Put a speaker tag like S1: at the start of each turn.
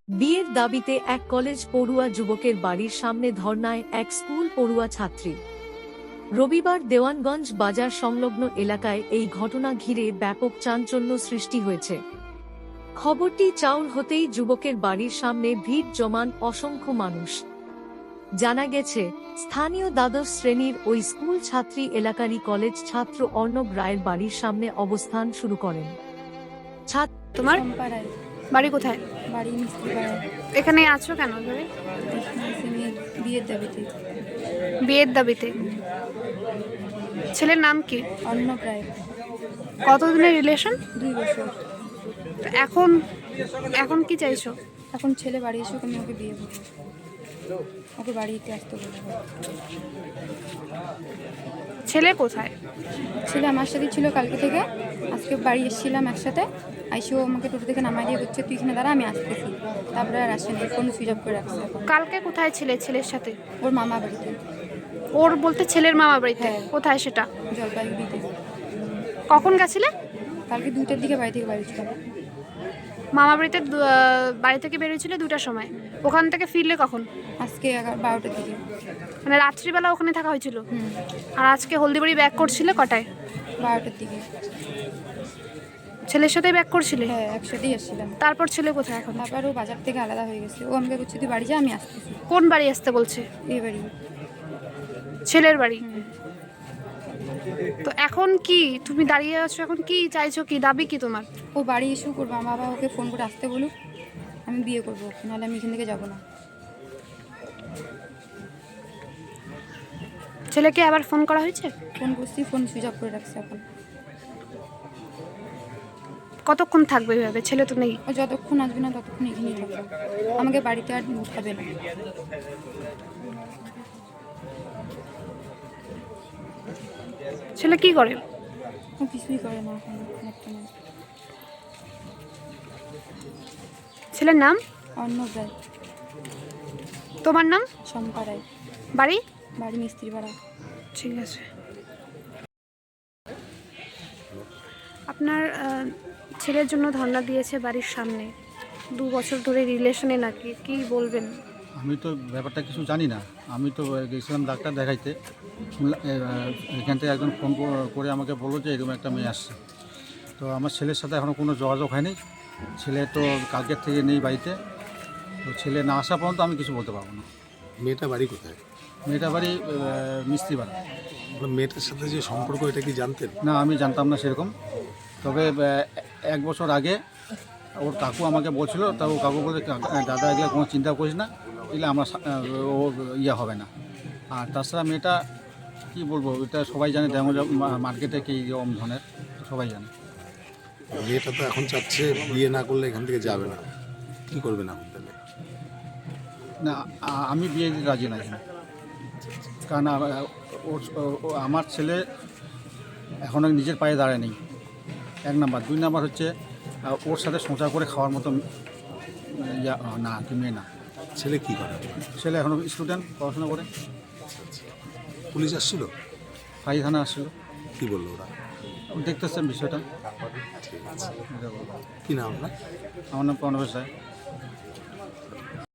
S1: বিয়ের দাবিতে এক কলেজ পড়ুয়া যুবকের বাড়ির সামনে ধর্নায় এক স্কুল পড়ুয়া ছাত্রী। রবিবার দেওয়ানগঞ্জ বাজার সংলগ্ন এলাকায় এই ঘটনা ঘিরে ব্যাপক চাঞ্চল্য সৃষ্টি হয়েছে। খবরটি চাউর হতেই যুবকের বাড়ির সামনে ভিড় জমান অসংখ্য মানুষ। জানা গেছে, স্থানীয় দ্বাদশ শ্রেণীর ওই স্কুল ছাত্রী এলাকারই কলেজ ছাত্র অর্ণব রায়ের বাড়ির সামনে অবস্থান শুরু করেন।
S2: তোমার বাড়ি কোথায়?
S3: বাড়ি মিস্ত্রিপাড়ায়।
S2: এখানে আছো কেন ধরে?
S3: বিয়ের দাবিতে।
S2: বিয়ের দাবিতে? ছেলের নাম কি?
S3: অর্ণব রায়।
S2: কতদিনের রিলেশন?
S3: 2 বছর।
S2: এখন এখন কি চাইছো?
S3: এখন ছেলে বাড়ি এসে আমি ওকে বিয়ে করবো, ওকে বাড়িতে আসতে বলবো।
S2: ছেলে কোথায়?
S3: ছেলে আমার সাথে ছিল কালকে থেকে, আজকে বাড়ি এসেছিলাম একসাথে। আইসিও আমাকে টোটো থেকে নামাই দিয়ে বলছে তুই এখানে দাঁড়া, আমি আসতেছি। তারপরে আর আসেনি, ফোন সুইচ অফ করে রাখছে এখন।
S2: কালকে কোথায় ছিলে ছেলের সাথে?
S3: ওর মামা বাড়িতে।
S2: ওর বলতে ছেলের মামা বাড়িতে?
S3: হ্যাঁ।
S2: কোথায় সেটা?
S3: জলপাইগুড়িতে।
S2: কখন গেছিলে?
S3: কালকে 2টার দিকে বাড়ি থেকে বেরিয়েছিলাম।
S2: মামা বাড়িতে বাড়ি থেকে বেরিয়েছিল 2টার সময়। ওখান থেকে ফিরলে কখন?
S3: আজকে 12টার দিকে।
S2: মানে রাত্রিবেলা ওখানে থাকা হয়েছিল?
S3: হুম,
S2: আর আজকে হলদিবাড়ি ব্যাক করছিলে কটায়?
S3: 12টার দিকে।
S2: ছেলের সাথেই ব্যাক করছিলে?
S3: হ্যাঁ, একসাথেই এসেছিলাম।
S2: তারপর ছেলে কোথায় এখন?
S3: তারপর ও বাজার থেকে আলাদা হয়ে গেছে। ও আমাকে বলছে তুই বাড়ি যা, আমি আসতেছি।
S2: কোন বাড়ি আসতে বলছে?
S3: এই বাড়ি।
S2: ছেলের বাড়ি।
S3: হুম।
S2: তো এখন কি তুমি দাঁড়িয়ে আছো? এখন কি চাইছো? কি দাবি কি তোমার?
S3: ও বাড়ি ইস্যু করবো, আমার বাবা ওকে ফোন করে আসতে বলুক, আমি বিয়ে করবো, নাহলে আমি এখান থেকে যাবো না।
S2: ছেলেকে আবার ফোন করা হয়েছে?
S3: ফোন করছি, ফোন সুইচ অফ করে রাখছে এখন।
S2: কতক্ষণ থাকবে এভাবে? ছেলে তো নেই।
S3: ও যতক্ষণ আসবে না ততক্ষণ এখানেই থাকবো, আমাকে বাড়িতে আর উঠাবে না।
S2: ছেলে কি করে?
S3: ও কিছুই করে না এখন বর্তমানে।
S2: ছেলের নাম?
S3: অর্ণব রায়।
S2: তোমার নাম?
S3: শম্পা রায়।
S2: বাড়ি?
S3: বাড়ি মিস্ত্রিপাড়া।
S2: ঠিক আছে। আপনার ছেলের জন্য ধর্ণা দিয়েছে বাড়ির সামনে, 2 বছর ধরে রিলেশনে নাকি, কি বলবেন?
S4: আমি তো ব্যাপারটা কিছু জানি না। আমি তো গেছিলাম ডাক্তার দেখাইতে। এখান থেকে একজন ফোন করে আমাকে বললো যে এরকম একটা মেয়ে আসছে। তো আমার ছেলের সাথে এখনও কোনো যোগাযোগ হয়নি। ছেলে তো কালকের থেকে নেই বাড়িতে। তো ছেলে না আসা পর্যন্ত আমি কিছু বলতে পারবো না।
S5: মেয়েটা বাড়ি কোথায়?
S4: মেয়েটা বাড়ি মিস্ত্রিপাড়া।
S5: মেয়েটার সাথে যে সম্পর্ক, এটা কি জানতেন?
S4: না, আমি জানতাম না সেরকম। তবে 1 বছর আগে ওর কাকু আমাকে বলছিল, তা ও কাকু বলে দাদা এগুলো কোনো চিন্তা করিস না, এগুলো আমার ও ইয়ে হবে না। আর তাছাড়া মেয়েটা কী বলবো, এটা সবাই জানে, দেওয়ানগঞ্জ মার্কেটে কী রকম ধরনের সবাই জানে।
S5: মেয়েটা তো এখন চাচ্ছে বিয়ে না করলে এখান থেকে যাবে না, কী করবে না এখন তাহলে?
S4: না, আমি বিয়ে দিতে রাজি নাই, কারণ আমার ছেলে এখনও নিজের পায়ে দাঁড়ায় নেই, 1 নাম্বার। 2 নাম্বার হচ্ছে ওর সাথে সংসার করে খাওয়ার মতো না, কি মেয়ে না।
S5: ছেলে কি করে?
S4: ছেলে এখনও স্টুডেন্ট, পড়াশোনা করে।
S5: পুলিশ আসছিল?
S4: ফাঁড়ি থানা আসছিল।
S5: কি বললো ওরা?
S4: দেখতেছেন বিষয়টা।
S5: ঠিক আছে। কি নাম আপনার?
S4: আমার নাম প্রণবেশ রায়।